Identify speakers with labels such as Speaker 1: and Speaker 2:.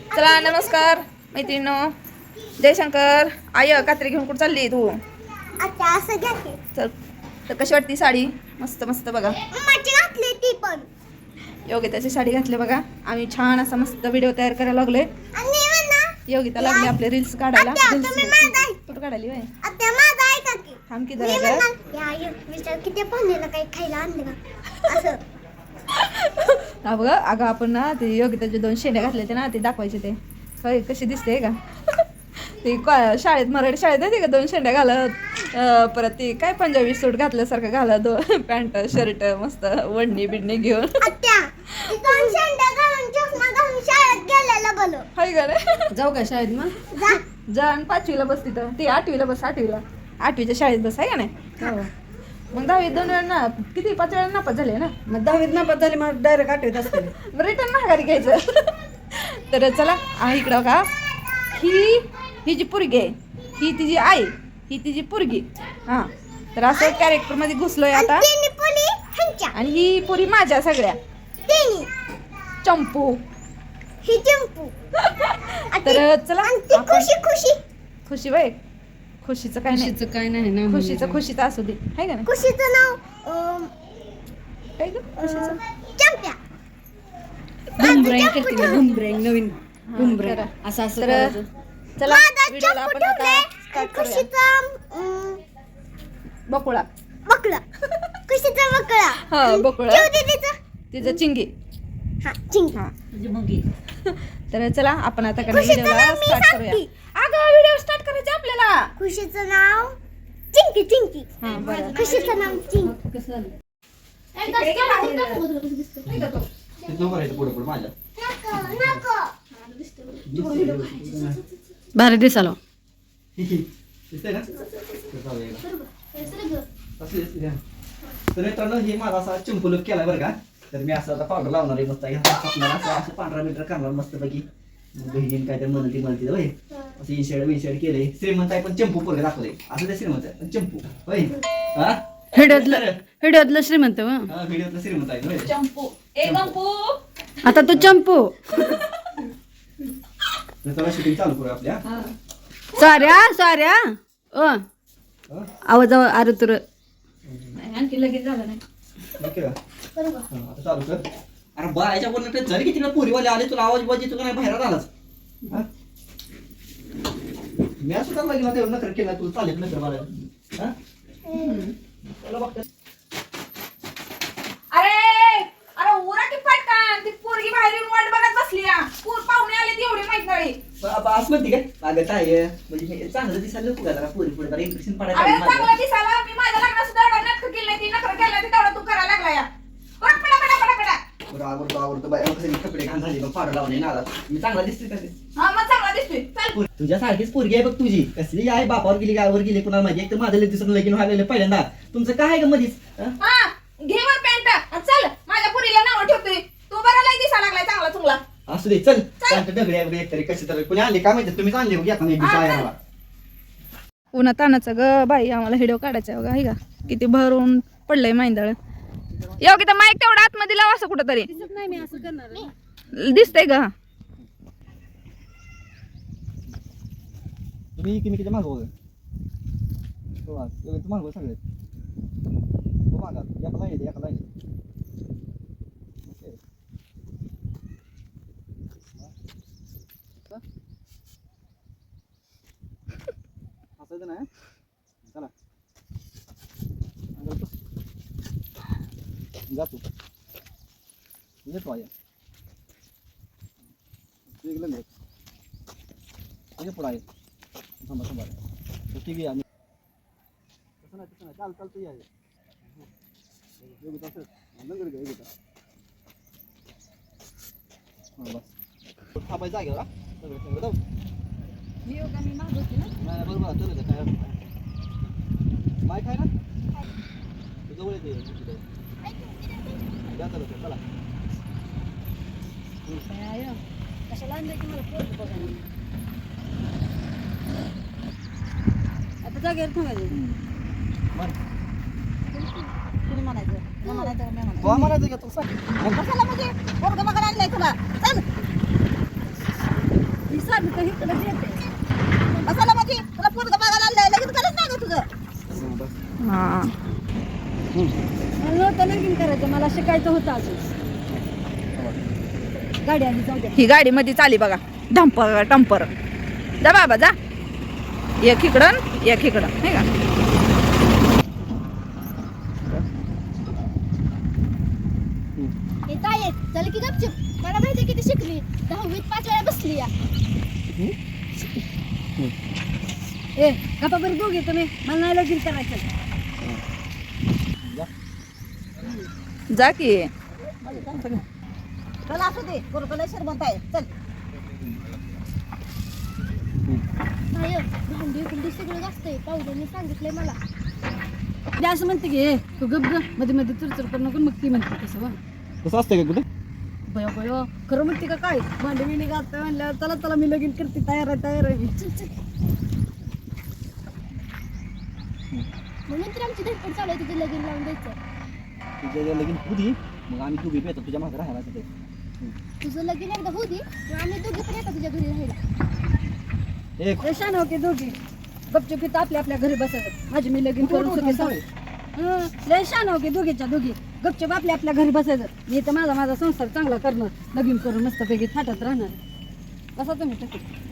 Speaker 1: चला नमस्कार मैत्रिणींनो, जयशंकर. आय कात्री घेऊन कुठं चालली तू?
Speaker 2: आता असं घ्यायचे.
Speaker 1: चल. तर कशी वाटती साडी? मस्त मस्त बघा.
Speaker 2: मम्माची घातली ती पण.
Speaker 1: योगिताची साडी घातली बघा. आम्ही छान असा मस्त व्हिडिओ तयार करायला लागलोय.
Speaker 2: आणि म्हणा
Speaker 1: योगिता लागली आपले रील्स काढायला.
Speaker 2: तुम्ही माझा
Speaker 1: कुठं काढाली बाय?
Speaker 2: आता माझा ऐका की.
Speaker 1: थांब की
Speaker 2: मी
Speaker 1: जरा.
Speaker 2: म्हणणार, या विचार किती पाहुण्याला काही खायला आणलं का असं.
Speaker 1: हा बघा, अगं आपण ना ते योगिताचे 2 शेंड्या घातले ते ना, ते दाखवायचे ते. होय, कशी दिसते का? ते शाळेत मराठी शाळेत नाही का 2 शेंड्या घालत, परत ते काय पंजाबी सूट घातल्यासारखं घालत, पॅन्ट शर्ट मस्त वडणी बिडणी घेऊन.
Speaker 2: आत्या ती 2 शेंड्या घालून चष्मा घालून शाळेत गेलेला बोलो.
Speaker 1: हाय का रे?
Speaker 3: जाऊ का शाळेत मग?
Speaker 2: जा.
Speaker 1: जा आणि 5वीला बस तिथं. ती 8वीला बस. 8वीच्या शाळेत बस आहे का नाही?
Speaker 3: हो.
Speaker 1: मग 10वीत 2 वेळा ना किती 5 वेळा नापास झाले ना.
Speaker 3: मग 10वीत नापास झाली मग डायरेक्ट 8वीत असते.
Speaker 1: रिटर्न माघारी घ्यायचं. तर चला इकडं का ही जी पोरगी आहे, ही तिची आई, ही तिची पोरगी. हां, तर असं कॅरेक्टर मध्ये घुसलोय आता.
Speaker 2: तिन्ही पुली ह्यांच्या.
Speaker 1: आणि ही पुरी माझ्या सगळ्या
Speaker 2: तिन्ही.
Speaker 1: चंपू.
Speaker 2: ही चंपू.
Speaker 1: तर चला
Speaker 2: आणि ती
Speaker 1: आपण-
Speaker 2: खुशी खुशी.
Speaker 1: खुशी बाई, खुशीचं काय नाही.
Speaker 3: खुशीचं काय नाही ना.
Speaker 1: खुशीचं असू दे, आहे का नाही?
Speaker 2: खुशीचं नाव
Speaker 1: काय ग खुशीचं?
Speaker 2: चंप्या.
Speaker 3: बुमब्रँग करते मी, बुमब्रँग नवीन बुमब्रँग
Speaker 1: करा.
Speaker 3: असं असं
Speaker 1: तर
Speaker 3: करायचं.
Speaker 1: चला
Speaker 2: माझा
Speaker 1: व्हिडिओला
Speaker 2: चंपू
Speaker 1: आपण आता
Speaker 2: ठेवलाय.
Speaker 1: स्टार्ट करूया.
Speaker 2: खुशीचा
Speaker 1: बकुळा.
Speaker 2: बकळा. खुशीचा बकळा.
Speaker 1: हा, बकुळा.
Speaker 2: ठेव दीदीचा.
Speaker 1: तिचं चिंगी.
Speaker 2: हा चिंगी.
Speaker 1: हा,
Speaker 3: म्हणजे मुंगी.
Speaker 1: तर चला आपण आता
Speaker 2: खुशीचं
Speaker 1: व्हिडिओला
Speaker 2: नाव मी
Speaker 1: स्टार्ट करूया.
Speaker 2: सांगते.
Speaker 1: अगं व्हिडिओ स्टार्ट करायचा आपल्याला.
Speaker 2: खुशीचं नाव चिंकी चिंकी.
Speaker 1: हा बरं.
Speaker 2: खुशीचं नाव चिंकी.
Speaker 3: कसं झालं? भारी दिसालो.
Speaker 4: तर मित्रांनो हे माझा असा चिंपू लुक केलाय बरं का. तर मी असं आता पावडर लावणार आहे मस्त आपल्याला असं 15 मीटर करणार मस्त पैकी. बहिणीने काय तर म्हणती होय, असं इनशेड केलंय. श्रीमंत आहे पण चंपू पोरगे दाखवले. असं ते श्रीमंत आहे पण चंपू होय. हा
Speaker 3: हिड्यातलं श्रीमंत व.
Speaker 4: हा, व्हिडिओतला श्रीमंत आहे होय.
Speaker 1: चंपू. ए गंपू.
Speaker 3: आता तू चंपू.
Speaker 4: तर चला शूटिंग चालू करूया आपल्या.
Speaker 3: साऱ्या
Speaker 4: हा?
Speaker 3: आवाज अरे तुर.
Speaker 1: आणखी लगेच झालं नाही.
Speaker 4: ओके का? हा, आता चालू कर. अरे बायच्या बोलणं टच झाली की तिला पोरीवाले आले, तुला आवाज येतो का नाही बाहेर आलाच. हा? मी असं सुद्धा लागला तेवढं नकर केला तुला चालेल नकर मला. हा? चला बघतो.
Speaker 1: अरे उरा की पटकन. ती पोरगी बाहेर येऊन वाट बघत बसली. पूर पाहुणे आले ती एवढी माहित नाही.
Speaker 4: असं म्हणते काय लागत आहे म्हणजे मी चांगलं दिसायला नको का पोरी पुढे जरा इम्प्रेशन
Speaker 1: अरे
Speaker 4: पडायला
Speaker 1: चांगला दिसायला. मी माझ्या लग्नात सुद्धा एवढं नाटक केलं ती नखर केलं ती तेवढं तू करायला लागला या. पडा.
Speaker 4: आवडतो बाय कसं कपडे घाण झाले मग पाडू लावले नाला. मी चांगला दिसते का ते?
Speaker 1: हा मग चांगला दिसतोय. चल.
Speaker 4: तुझ्यासारखीच पोरगी आहे बघ तुझी. कसली आहे बापावर गेली गावावर गेली कुणाला माहिती. एक तर माझं दिसून लगीन व्हायला पहिल्यांदा. तुमचं काय आहे का मधीच?
Speaker 1: हा घे वर पॅन्ट आणि चल. माझ्या पुरीला नाव ठेवतोय. तू बरा लय दिसायला लागलाय चांगला चुंगला.
Speaker 4: असू दे चल. दगडी आहे एक तरी कशी तर कोणी आणले काय माहिती. तुम्हीच आणले बघ आता एक दिवस.
Speaker 1: उन्हा तानाचं ग बाई आम्हाला व्हिडिओ काढायचा बघा. आहे का किती भरून पडलंय माहिंदळ. योगिता माईक तेवढा आतमध्ये लावा असं कुठं तरी
Speaker 3: नाही मी असं करणार.
Speaker 1: दिसतंय का?
Speaker 4: तुम्ही किती मागव मागव सगळे मागा एका लाईन एका लाईन. हसायचं नाही. चला जातो येतो आहे पुढं आहे. थांबा ठीक आहे. आम्ही तसं नाही चालतं या बस थांबायचं जागेवर. बरोबर काय माय काय ना जवळ येते. चला
Speaker 3: कशाला आणलंय की मला पोरगं बघायला. आता जागेवर थांबायचं. कुणी म्हणायचं न म्हणायचं मी म्हणायचं.
Speaker 4: म्हणायचं का तू
Speaker 3: कशाला म्हणजे पोरगं बघायला आणलंय तुला. चल माझं तर इकडंच येते.
Speaker 5: कशाला म्हणजे तुला पोरगं बघायला आणलंय लगेच करत नाही का तुझं
Speaker 1: हा
Speaker 3: मला नव्हतं लगीन करायचं, मला शिकायचं होतं अजून. गाडी आली, जाऊ द्या.
Speaker 1: ही गाडी मध्ये चाली बघा, डंपर टंपर. जा बाबा जा, एक इकडं एक इकडं नाही का.
Speaker 2: हे काय आहे? चल की गपचूप मला माहिती किती शिकली 10वीत 5 वेळा बसली या
Speaker 3: ए गप्पा बरं दोघे तुम्ही, मला नाही लगीन करायचं.
Speaker 1: जा की.
Speaker 5: चल असू दे पोरगं श्रीमंत आहे चल
Speaker 2: काय भांडी कुंडी सगळं असतंय पावडरने सांगितलंय मला
Speaker 3: ते असं म्हणते की ए तू गप ग, मध्ये मध्ये चुरचुर करू नको. मग ती म्हणते तसं वा
Speaker 4: कसं असतं का कुठे
Speaker 3: बया बया खरं म्हणते का काय, भांडी बिंडी घालतोय म्हणल्यावर चला चला मी लगीन करते, तयार आहे तयार आहे.
Speaker 2: चल चल म्हणून तर आमची धडपड चालू आहे तिथे लगीन लावून द्यायचं
Speaker 4: तुझ्या लगीन होती मग आम्ही दोघे येतो तुझ्या मागे राहायला तिथे.
Speaker 2: तुझं लगीन एकदा होऊ दे मग आम्ही दोघे पण येतो तुझ्या घरी राहायला
Speaker 4: एक
Speaker 3: लय शान हो की दोघी गपचूप इथं आपल्या आपल्या घरी बसायचं. माझी मी लगीन करून सुखी जाऊ. लय शान हो की दोघीच्या दोघी गपचूप आपल्या आपल्या घरी बसायचं. मी तर माझा संसार चांगला करणार, लगीन करून मस्तपैकी थाटात राहणार. बसा तुम्ही टकी.